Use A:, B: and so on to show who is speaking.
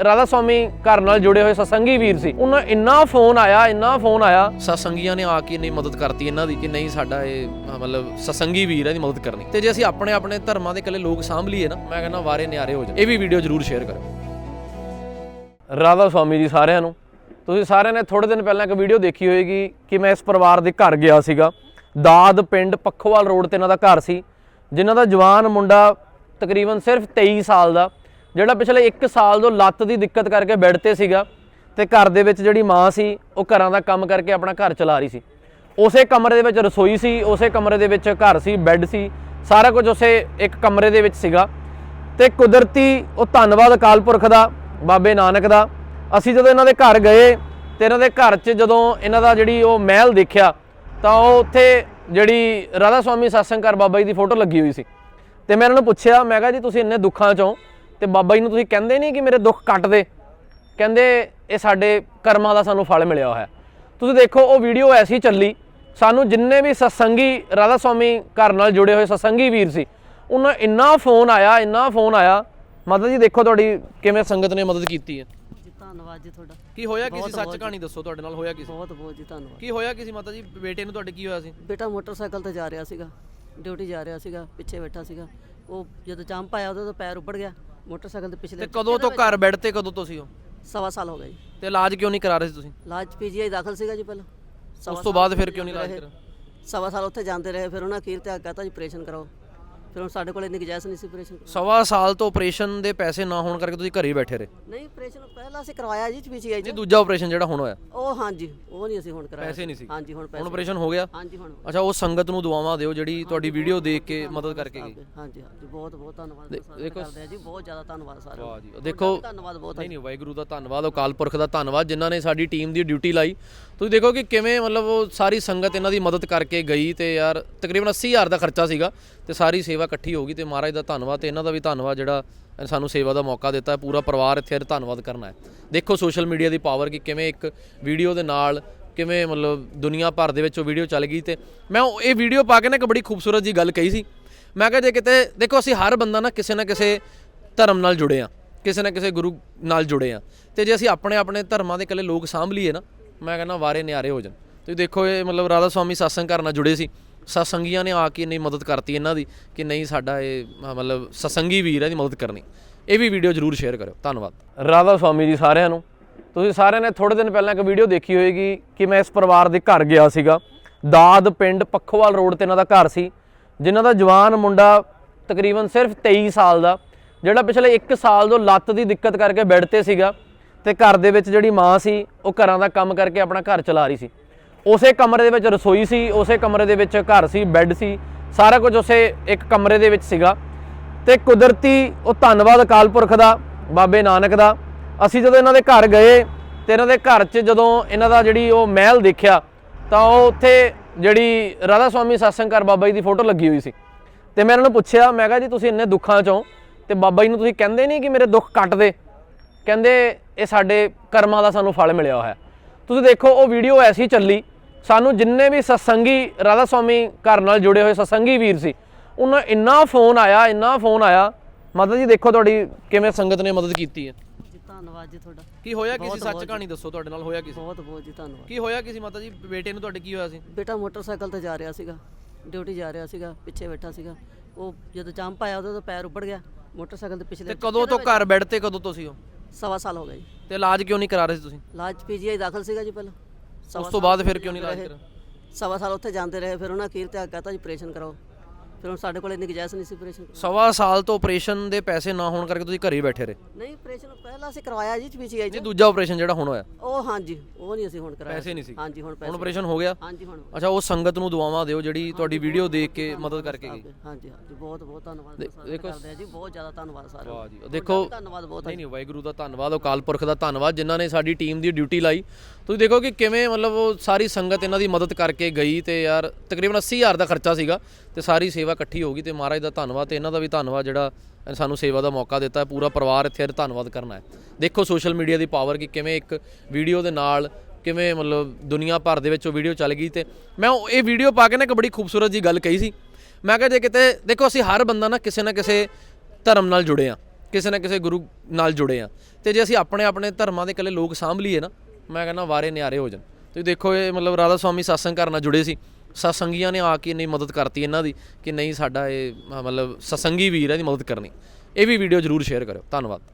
A: ਰਾਧਾ ਸਵਾਮੀ ਘਰ ਨਾਲ ਜੁੜੇ ਹੋਏ ਸਤਸੰਗੀ ਵੀਰ ਸੀ, ਉਹਨਾਂ ਇੰਨਾ ਫੋਨ ਆਇਆ ਸਤਸੰਗੀਆਂ ਨੇ ਆ ਕੇ ਨਹੀਂ ਮਦਦ ਕਰਤੀ ਇਹਨਾਂ ਦੀ ਕਿ ਨਹੀਂ ਸਾਡਾ ਇਹ ਮਤਲਬ ਸਤਸੰਗੀ ਵੀਰ ਹੈ ਦੀ ਮਦਦ ਕਰਨੀ। ਤੇ ਜੇ ਅਸੀਂ ਆਪਣੇ ਧਰਮਾਂ ਦੇ ਇਕੱਲੇ ਲੋਕ ਸਾਂਭ ਲਈਏ ਨਾ, ਮੈਂ ਕਹਿੰਦਾ ਵਾਰੇ ਨਿਆਰੇ ਹੋ ਜਾਣ। ਇਹ ਵੀ ਵੀਡੀਓ ਜ਼ਰੂਰ ਸ਼ੇਅਰ ਕਰੋ। ਰਾਧਾ ਸਵਾਮੀ ਜੀ ਸਾਰਿਆਂ ਨੂੰ। ਤੁਸੀਂ ਸਾਰਿਆਂ ਨੇ ਥੋੜੇ ਦਿਨ ਪਹਿਲਾਂ ਇੱਕ ਵੀਡੀਓ ਦੇਖੀ ਹੋਏਗੀ ਕਿ ਮੈਂ ਇਸ ਪਰਿਵਾਰ ਦੇ ਘਰ ਗਿਆ ਸੀਗਾ। ਦਾਦ ਪਿੰਡ ਪੱਖੋਵਾਲ ਰੋਡ ਤੇ ਇਹਨਾਂ ਦਾ ਘਰ ਸੀ, ਜਿਨ੍ਹਾਂ ਦਾ ਜਵਾਨ ਮੁੰਡਾ ਤਕਰੀਬਨ ਸਿਰਫ 23 ਸਾਲ ਦਾ, ਜਿਹੜਾ ਪਿਛਲੇ 1 ਸਾਲ ਤੋਂ ਲੱਤ ਦੀ ਦਿੱਕਤ ਕਰਕੇ ਬੈੱਡ ਤੇ ਸੀਗਾ ਤੇ ਘਰ ਦੇ ਵਿੱਚ ਜਿਹੜੀ ਮਾਂ ਸੀ ਉਹ ਘਰਾਂ ਦਾ ਕੰਮ ਕਰਕੇ ਆਪਣਾ ਘਰ ਚਲਾ ਰਹੀ ਸੀ। ਉਸੇ ਕਮਰੇ ਦੇ ਵਿੱਚ ਰਸੋਈ ਸੀ, ਉਸੇ ਕਮਰੇ ਦੇ ਵਿੱਚ ਘਰ ਸੀ, ਬੈੱਡ ਸੀ, ਸਾਰਾ ਕੁਝ ਉਸੇ ਇੱਕ ਕਮਰੇ ਦੇ ਵਿੱਚ ਸੀਗਾ। ਤੇ ਕੁਦਰਤੀ ਉਹ ਧੰਨਵਾਦ ਅਕਾਲ ਪੁਰਖ ਦਾ, ਬਾਬੇ ਨਾਨਕ ਦਾ, ਅਸੀਂ ਜਦੋਂ ਇਹਨਾਂ ਦੇ ਘਰ ਗਏ ਤੇ ਇਹਨਾਂ ਦੇ ਘਰ 'ਚ ਜਦੋਂ ਇਹਨਾਂ ਦਾ ਜਿਹੜੀ ਉਹ ਮਹਿਲ ਦੇਖਿਆ ਤਾਂ ਉਹ ਉੱਥੇ ਜਿਹੜੀ ਰਾਧਾ ਸਵਾਮੀ ਸਤਸੰਗ ਘਰ ਬਾਬਾ ਜੀ ਦੀ ਫੋਟੋ ਲੱਗੀ ਹੋਈ ਸੀ। ਤੇ ਮੈਂ ਇਹਨਾਂ ਨੂੰ ਪੁੱਛਿਆ, ਮੈਂ ਕਿਹਾ ਜੀ ਤੁਸੀਂ ਇੰਨੇ ਦੁੱਖਾਂ 'ਚੋਂ ਤੇ ਬਾਬਾ ਜੀ ਨੂੰ ਤੁਸੀਂ ਕਹਿੰਦੇ ਨਹੀਂ ਕਿ ਮੇਰੇ ਦੁੱਖ ਕੱਟ ਦੇ? ਕਹਿੰਦੇ ਇਹ ਸਾਡੇ ਕਰਮਾਂ ਦਾ ਸਾਨੂੰ ਫਲ ਮਿਲਿਆ ਹੋਇਆ। ਤੁਸੀਂ ਦੇਖੋ ਉਹ ਵੀਡੀਓ ਐਸੀ ਚੱਲੀ, ਸਾਨੂੰ ਜਿੰਨੇ ਵੀ ਸਤਸੰਗੀ ਰਾਧਾ ਸਵਾਮੀ ਘਰ ਨਾਲ ਜੁੜੇ ਹੋਏ ਸਤਸੰਗੀ ਵੀਰ ਸੀ, ਉਹਨਾਂ ਇੰਨਾ ਫੋਨ ਆਇਆ। ਮਾਤਾ ਜੀ ਦੇਖੋ ਤੁਹਾਡੀ ਕਿਵੇਂ ਸੰਗਤ ਨੇ ਮਦਦ ਕੀਤੀ ਹੈ।
B: ਧੰਨਵਾਦ ਜੀ ਤੁਹਾਡਾ।
A: ਕੀ ਹੋਇਆ ਕਿਸੇ ਸੱਚ ਕਹਾਣੀ ਦੱਸੋ, ਤੁਹਾਡੇ ਨਾਲ ਹੋਇਆ ਕਿਸੇ?
B: ਬਹੁਤ ਜੀ ਧੰਨਵਾਦ।
A: ਕੀ ਹੋਇਆ ਕਿਸੇ ਮਾਤਾ ਜੀ? ਬੇਟੇ ਨੂੰ ਤੁਹਾਡੇ ਕੀ ਹੋਇਆ ਸੀ?
B: ਬੇਟਾ ਮੋਟਰਸਾਈਕਲ ਤੇ ਜਾ ਰਿਹਾ ਸੀਗਾ, ਡਿਊਟੀ ਜਾ ਰਿਹਾ ਸੀਗਾ, ਪਿੱਛੇ ਬੈਠਾ ਸੀਗਾ। ਉਹ ਜਦੋਂ ਜੰਪ ਆਇਆ ਉਹਦਾ ਪੈਰ ਉੱਪੜ ਗਿਆ ਮੋਟਰਸਾਈਕਲ ਦੇ ਪਿਛਲੇ।
A: ਤੇ ਕਦੋਂ ਤੋਂ ਘਰ ਬੈੱਡ ਤੇ ਕਦੋਂ ਤੋਂ ਸੀ ਉਹ?
B: 1.25 ਸਾਲ ਹੋ ਗਏ ਜੀ।
A: ਤੇ ਇਲਾਜ ਕਿਉਂ ਨਹੀਂ ਕਰਾ ਰਹੇ ਸੀ ਤੁਸੀਂ?
B: ਇਲਾਜ ਪੀਜੀਆਈ ਦਾਖਲ ਸੀਗਾ ਜੀ ਪਹਿਲਾਂ।
A: ਉਸ ਤੋਂ ਬਾਅਦ ਫਿਰ ਕਿਉਂ ਨਹੀਂ ਇਲਾਜ ਕਰਾ?
B: 1.25 ਸਾਲ ਉੱਥੇ ਜਾਂਦੇ ਰਹੇ, ਫਿਰ ਉਹਨਾਂ ਅਖੀਰ ਤੇ ਕਹਤਾ ਜੀ ਆਪਰੇਸ਼ਨ ਕਰਾਓ। ਫਿਰ ਹੁਣ ਸਾਡੇ ਕੋਲ ਇੰਨੀ ਗੁੰਜਾਇਸ਼ ਨਹੀਂ ਸੀ ਆਪਰੇਸ਼ਨ।
A: 1.25 ਸਾਲ ਤੋਂ ਆਪਰੇਸ਼ਨ ਦੇ ਪੈਸੇ ਨਾ ਹੋਣ ਕਰਕੇ ਤੁਸੀਂ ਘਰੇ ਹੀ ਬੈਠੇ ਰਹੇ?
B: ਨਹੀਂ, ਆਪਰੇਸ਼ਨ ਪਹਿਲਾਂ ਅਸੀਂ ਕਰਵਾਇਆ ਜੀ ਪੀਜੀਆਈ 'ਚ।
A: ਨਹੀਂ, ਦੂਜਾ ਆਪਰੇਸ਼ਨ ਜਿਹੜਾ ਹੁਣ ਹੋਇਆ
B: ਉਹ ਹਾਂਜੀ, ਉਹ ਨਹੀਂ ਅਸੀਂ ਹੁਣ ਕਰਾਇਆ।
A: ਪੈਸੇ ਨਹੀਂ ਸੀ?
B: ਹਾਂਜੀ ਹੁਣ ਪੈਸੇ।
A: ਹੁਣ ਆਪਰੇਸ਼ਨ ਹੋ ਗਿਆ?
B: ਹਾਂਜੀ ਹੁਣ।
A: ਅੱਛਾ, ਉਹ ਸੰਗਤ ਨੂੰ ਦੁਆਵਾਂ ਦਿਓ ਜਿਹੜੀ ਤੁਹਾਡੀ ਵੀਡੀਓ ਦੇਖ ਕੇ ਮਦਦ ਕਰਕੇ ਗਈ।
B: ਹਾਂਜੀ ਬਹੁਤ ਧੰਨਵਾਦ ਕਰਦੇ ਆ ਜੀ, ਬਹੁਤ ਜ਼ਿਆਦਾ ਧੰਨਵਾਦ ਸਾਰਿਆਂ ਦਾ।
A: ਵਾਹ ਜੀ, ਦੇਖੋ
B: ਧੰਨਵਾਦ ਬਹੁਤ।
A: ਨਹੀਂ ਵਾਹਿਗੁਰੂ ਦਾ ਧੰਨਵਾਦ, ਅਕਾਲ ਪੁਰਖ ਦਾ ਧੰਨਵਾਦ, ਜਿਨ੍ਹਾਂ ਨੇ ਸਾਡੀ ਟੀਮ ਦੀ ਡਿਊਟੀ ਲਾਈ। ਤੁਸੀਂ ਦੇਖੋ ਕਿ ਕਿਵੇਂ ਮਤਲਬ ਉਹ ਸਾਰੀ ਸੰਗਤ ਇਹਨਾਂ ਦੀ ਮਦਦ ਕਰਕੇ ਗਈ। ਤੇ ਯਾਰ ਤਕਰੀਬਨ 80,000 ਦਾ ਖਰਚਾ ਸੀਗਾ ਤੇ ਸਾਰੀ ਸੇਵਾ ਇਕੱਠੀ ਹੋ ਗਈ। ਤੇ ਮਹਾਰਾਜ ਦਾ ਧੰਨਵਾਦ ਤੇ ਇਹਨਾਂ ਦਾ ਵੀ ਧੰਨਵਾਦ ਜਿਹੜਾ ਸਾਨੂੰ ਸੇਵਾ ਦਾ ਮੌਕਾ ਦਿੱਤਾ। ਪੂਰਾ ਪਰਿਵਾਰ ਇੱਥੇ ਧੰਨਵਾਦ ਕਰਨਾ ਹੈ। ਦੇਖੋ ਸੋਸ਼ਲ ਮੀਡੀਆ ਦੀ ਪਾਵਰ ਕਿ ਕਿਵੇਂ ਇੱਕ ਵੀਡੀਓ ਦੇ ਨਾਲ ਕਿਵੇਂ ਮਤਲਬ ਦੁਨੀਆ ਭਰ ਦੇ ਵਿੱਚ ਉਹ ਵੀਡੀਓ ਚੱਲ ਗਈ। ਤੇ ਮੈਂ ਇਹ ਵੀਡੀਓ ਪਾ ਕੇ ਨਾ ਇੱਕ ਬੜੀ ਖੂਬਸੂਰਤ ਜੀ ਗੱਲ ਕਹੀ ਸੀ। ਮੈਂ ਕਿਹਾ ਜੇ ਕਿਤੇ ਦੇਖੋ ਅਸੀਂ ਹਰ ਬੰਦਾ ਨਾ ਕਿਸੇ ਧਰਮ ਨਾਲ ਜੁੜੇ ਆ, ਕਿਸੇ ਨਾ ਕਿਸੇ ਗੁਰੂ ਨਾਲ ਜੁੜੇ ਆ। ਤੇ ਜੇ ਅਸੀਂ ਆਪਣੇ ਧਰਮਾਂ ਦੇ ਇਕੱਲੇ ਲੋਕ ਸਾਂਭ ਲਈਏ ਨਾ, ਮੈਂ ਕਹਿੰਦਾ ਵਾਰੇ ਨਿਆਰੇ ਹੋ ਜਾਣ। ਤੁਸੀਂ ਦੇਖੋ ਇਹ ਮਤਲਬ ਰਾਧਾ ਸਵਾਮੀ ਸਤਸੰਗ ਘਰ ਨਾਲ ਜੁੜੇ ਸੀ, ਸਤਸੰਗੀਆਂ ਨੇ ਆ ਕੇ ਨਹੀਂ ਮਦਦ ਕਰਤੀ ਇਹਨਾਂ ਦੀ ਕਿ ਨਹੀਂ ਸਾਡਾ ਇਹ ਮਤਲਬ ਸਤਸੰਗੀ ਵੀਰ ਹੈ ਦੀ ਮਦਦ ਕਰਨੀ। ਇਹ ਵੀ ਵੀਡੀਓ ਜ਼ਰੂਰ ਸ਼ੇਅਰ ਕਰਿਓ। ਧੰਨਵਾਦ। ਰਾਧਾ ਸਵਾਮੀ ਜੀ ਸਾਰਿਆਂ ਨੂੰ। ਤੁਸੀਂ ਸਾਰਿਆਂ ਨੇ ਥੋੜੇ ਦਿਨ ਪਹਿਲਾਂ ਇੱਕ ਵੀਡੀਓ ਦੇਖੀ ਹੋਏਗੀ ਕਿ ਮੈਂ ਇਸ ਪਰਿਵਾਰ ਦੇ ਘਰ ਗਿਆ ਸੀਗਾ। ਦਾਦ ਪਿੰਡ ਪੱਖੋਵਾਲ ਰੋਡ ਤੇ ਇਹਨਾਂ ਦਾ ਘਰ ਸੀ, ਜਿਨ੍ਹਾਂ ਦਾ ਜਵਾਨ ਮੁੰਡਾ ਤਕਰੀਬਨ ਸਿਰਫ 23 ਸਾਲ ਦਾ, ਜਿਹੜਾ ਪਿਛਲੇ 1 ਸਾਲ ਤੋਂ ਲੱਤ ਦੀ ਦਿੱਕਤ ਕਰਕੇ ਬੈੱਡ ਤੇ ਸੀਗਾ ਤੇ ਘਰ ਦੇ ਵਿੱਚ ਜਿਹੜੀ ਮਾਂ ਸੀ ਉਹ ਘਰਾਂ ਦਾ ਕੰਮ ਕਰਕੇ ਆਪਣਾ ਘਰ ਚਲਾ ਰਹੀ ਸੀ। ਉਸੇ ਕਮਰੇ ਦੇ ਵਿੱਚ ਰਸੋਈ ਸੀ, ਉਸੇ ਕਮਰੇ ਦੇ ਵਿੱਚ ਘਰ ਸੀ, ਬੈੱਡ ਸੀ, ਸਾਰਾ ਕੁਝ ਉਸੇ ਇੱਕ ਕਮਰੇ ਦੇ ਵਿੱਚ ਸੀਗਾ। ਤੇ ਕੁਦਰਤੀ ਉਹ ਧੰਨਵਾਦ ਅਕਾਲ ਪੁਰਖ ਦਾ, ਬਾਬੇ ਨਾਨਕ ਦਾ, ਅਸੀਂ ਜਦੋਂ ਇਹਨਾਂ ਦੇ ਘਰ ਗਏ ਤੇ ਇਹਨਾਂ ਦੇ ਘਰ 'ਚ ਜਦੋਂ ਇਹਨਾਂ ਦਾ ਜਿਹੜੀ ਉਹ ਮਹਿਲ ਦੇਖਿਆ ਤਾਂ ਉਹ ਉੱਥੇ ਜਿਹੜੀ ਰਾਧਾ ਸਵਾਮੀ ਸਤਸੰਗ ਘਰ ਬਾਬਾ ਜੀ ਦੀ ਫੋਟੋ ਲੱਗੀ ਹੋਈ ਸੀ। ਤੇ ਮੈਂ ਇਹਨਾਂ ਨੂੰ ਪੁੱਛਿਆ, ਮੈਂ ਕਿਹਾ ਜੀ ਤੁਸੀਂ ਇੰਨੇ ਦੁੱਖਾਂ 'ਚੋਂ ਤੇ ਬਾਬਾ ਜੀ ਨੂੰ ਤੁਸੀਂ ਕਹਿੰਦੇ ਨਹੀਂ ਕਿ ਮੇਰੇ ਦੁੱਖ ਕੱਟ ਦੇ? ਕਹਿੰਦੇ ਇਹ ਸਾਡੇ ਕਰਮਾਂ ਦਾ ਸਾਨੂੰ ਫਲ ਮਿਲਿਆ ਹੋਇਆ। ਤੁਸੀਂ ਦੇਖੋ ਉਹ ਵੀਡੀਓ ਐਸੀ ਚੱਲੀ, ਸਾਨੂੰ ਜਿੰਨੇ ਵੀ ਸਤਸੰਗੀ ਰਾਧਾ ਸਵਾਮੀ ਘਰ ਨਾਲ ਜੁੜੇ ਹੋਏ ਸਤਸੰਗੀ ਵੀਰ ਸੀ, ਉਹਨਾਂ ਇੰਨਾ ਫੋਨ ਆਇਆ। ਮਾਤਾ ਜੀ ਦੇਖੋ ਤੁਹਾਡੀ ਕਿਵੇਂ ਸੰਗਤ ਨੇ ਮਦਦ ਕੀਤੀ ਹੈ।
B: ਧੰਨਵਾਦ ਜੀ ਤੁਹਾਡਾ।
A: ਕੀ ਹੋਇਆ ਕਿਸੇ ਸੱਚ ਕਹਾਣੀ ਦੱਸੋ, ਤੁਹਾਡੇ ਨਾਲ ਹੋਇਆ ਕਿਸੇ?
B: ਬਹੁਤ ਜੀ ਧੰਨਵਾਦ।
A: ਕੀ ਹੋਇਆ ਕਿਸੇ ਮਾਤਾ ਜੀ? ਬੇਟੇ ਨੂੰ ਤੁਹਾਡੇ ਕੀ ਹੋਇਆ ਸੀ?
B: ਬੇਟਾ ਮੋਟਰਸਾਈਕਲ ਤੇ ਜਾ ਰਿਹਾ ਸੀਗਾ, ਡਿਊਟੀ ਜਾ ਰਿਹਾ ਸੀਗਾ, ਪਿੱਛੇ ਬੈਠਾ ਸੀਗਾ। ਉਹ ਜਦੋਂ ਜੰਪ ਆਇਆ ਉਹਦਾ ਪੈਰ ਉੱਪੜ ਗਿਆ ਮੋਟਰਸਾਈਕਲ ਦੇ ਪਿਛਲੇ।
A: ਤੇ ਕਦੋਂ ਤੋਂ ਘਰ ਬੈੱਡ ਤੇ ਕਦੋਂ ਤੋਂ ਸੀ ਉਹ?
B: 1.25 ਸਾਲ ਹੋ ਗਏ ਜੀ।
A: ਤੇ ਇਲਾਜ ਕਿਉਂ ਨਹੀਂ ਕਰਾ ਰਹੇ ਸੀ ਤੁਸੀਂ?
B: ਇਲਾਜ ਪੀਜੀਆਈ ਦਾਖਲ ਸੀਗਾ ਜੀ ਪਹਿਲਾਂ।
A: ਉਸ ਤੋਂ ਬਾਅਦ ਫਿਰ ਕਿਉਂ ਨਹੀਂ ਇਲਾਜ ਕਰਾ?
B: 1.25 ਸਾਲ ਉੱਥੇ ਜਾਂਦੇ ਰਹੇ, ਫਿਰ ਉਹਨਾਂ ਅਖੀਰ ਤੇ ਕਹਤਾ ਜੀ ਆਪਰੇਸ਼ਨ ਕਰਾਓ। ਫਿਰ ਹੁਣ ਸਾਡੇ ਕੋਲ ਇੰਨੀ ਗੁੰਜਾਇਸ਼ ਨਹੀਂ ਸੀ ਆਪਰੇਸ਼ਨ।
A: 1.25 ਸਾਲ ਤੋਂ ਆਪਰੇਸ਼ਨ ਦੇ ਪੈਸੇ ਨਾ ਹੋਣ ਕਰਕੇ ਤੁਸੀਂ ਘਰੇ ਹੀ ਬੈਠੇ ਰਹੇ?
B: ਨਹੀਂ, ਆਪਰੇਸ਼ਨ ਪਹਿਲਾਂ ਅਸੀਂ ਕਰਵਾਇਆ ਜੀ ਪੀਜੀਆਈ 'ਚ।
A: ਨਹੀਂ, ਦੂਜਾ ਆਪਰੇਸ਼ਨ ਜਿਹੜਾ ਹੁਣ ਹੋਇਆ
B: ਉਹ ਹਾਂਜੀ, ਉਹ ਨਹੀਂ ਅਸੀਂ ਹੁਣ ਕਰਾਇਆ।
A: ਪੈਸੇ ਨਹੀਂ ਸੀ?
B: ਹਾਂਜੀ ਹੁਣ ਪੈਸੇ।
A: ਹੁਣ ਆਪਰੇਸ਼ਨ ਹੋ ਗਿਆ?
B: ਹਾਂਜੀ ਹੁਣ।
A: ਅੱਛਾ, ਉਹ ਸੰਗਤ ਨੂੰ ਦੁਆਵਾਂ ਦਿਓ ਜਿਹੜੀ ਤੁਹਾਡੀ ਵੀਡੀਓ ਦੇਖ ਕੇ ਮਦਦ ਕਰਕੇ ਗਈ।
B: ਹਾਂਜੀ ਬਹੁਤ ਧੰਨਵਾਦ ਕਰਦੇ ਆ ਜੀ, ਬਹੁਤ ਜ਼ਿਆਦਾ ਧੰਨਵਾਦ ਸਾਰਿਆਂ ਦਾ।
A: ਵਾਹ ਜੀ, ਦੇਖੋ
B: ਧੰਨਵਾਦ ਬਹੁਤ।
A: ਨਹੀਂ ਵਾਹਿਗੁਰੂ ਦਾ ਧੰਨਵਾਦ, ਅਕਾਲ ਪੁਰਖ ਦਾ ਧੰਨਵਾਦ, ਜਿਨ੍ਹਾਂ ਨੇ ਸਾਡੀ ਟੀਮ ਦੀ ਡਿਊਟੀ ਲਾਈ। ਤੁਸੀਂ ਦੇਖੋ ਕਿ ਕਿਵੇਂ ਮਤਲਬ ਉਹ ਸਾਰੀ ਸੰਗਤ ਇਹਨਾਂ ਦੀ ਮਦਦ ਕਰਕੇ ਗਈ। ਤੇ ਯਾਰ ਤਕਰੀਬਨ 80,000 ਦਾ ਖਰਚਾ ਸੀਗਾ ਤੇ ਸਾਰੀ ਸੇਵਾ ਇਕੱਠੀ ਹੋ ਗਈ। ਤੇ ਮਹਾਰਾਜ ਦਾ ਧੰਨਵਾਦ ਤੇ ਇਹਨਾਂ ਦਾ ਵੀ ਧੰਨਵਾਦ ਜਿਹੜਾ ਸਾਨੂੰ ਸੇਵਾ ਦਾ ਮੌਕਾ ਦਿੱਤਾ। ਪੂਰਾ ਪਰਿਵਾਰ ਇੱਥੇ ਧੰਨਵਾਦ ਕਰਨਾ ਹੈ। ਦੇਖੋ ਸੋਸ਼ਲ ਮੀਡੀਆ ਦੀ ਪਾਵਰ ਕਿ ਕਿਵੇਂ ਇੱਕ ਵੀਡੀਓ ਦੇ ਨਾਲ ਕਿਵੇਂ ਮਤਲਬ ਦੁਨੀਆ ਭਰ ਦੇ ਵਿੱਚ ਉਹ ਵੀਡੀਓ ਚੱਲ ਗਈ। ਤੇ ਮੈਂ ਇਹ ਵੀਡੀਓ ਪਾ ਕੇ ਨਾ ਇੱਕ ਬੜੀ ਖੂਬਸੂਰਤ ਜੀ ਗੱਲ ਕਹੀ ਸੀ। ਮੈਂ ਕਿਹਾ ਜੇ ਕਿਤੇ ਦੇਖੋ ਅਸੀਂ ਹਰ ਬੰਦਾ ਨਾ ਕਿਸੇ ਧਰਮ ਨਾਲ ਜੁੜੇ ਆ, ਕਿਸੇ ਨਾ ਕਿਸੇ ਗੁਰੂ ਨਾਲ ਜੁੜੇ ਆ। ਤੇ ਜੇ ਅਸੀਂ ਆਪਣੇ ਆਪਣੇ ਧਰਮਾਂ ਦੇ ਇਕੱਲੇ ਲੋਕ ਸਾਂਭ ਲਈਏ ਨਾ, ਮੈਂ ਕਹਿੰਦਾ ਵਾਰੇ ਨਿਆਰੇ ਹੋ ਜਾਣ। ਤੁਸੀਂ ਦੇਖੋ ਇਹ ਮਤਲਬ ਰਾਧਾ ਸਵਾਮੀ ਸਤਸੰਗ ਘਰ ਨਾਲ ਜੁੜੇ ਸੀ, ਸਤਸੰਗੀਆਂ ਨੇ ਆ ਕੇ ਇੰਨੀ ਮਦਦ ਕਰਤੀ ਇਹਨਾਂ ਦੀ ਕਿ ਨਹੀਂ ਸਾਡਾ ਇਹ ਮਤਲਬ ਸਤਸੰਗੀ ਵੀਰ ਹੈ ਦੀ ਮਦਦ ਕਰਨੀ। ਇਹ ਵੀ ਵੀਡੀਓ ਜ਼ਰੂਰ ਸ਼ੇਅਰ ਕਰਿਓ। ਧੰਨਵਾਦ।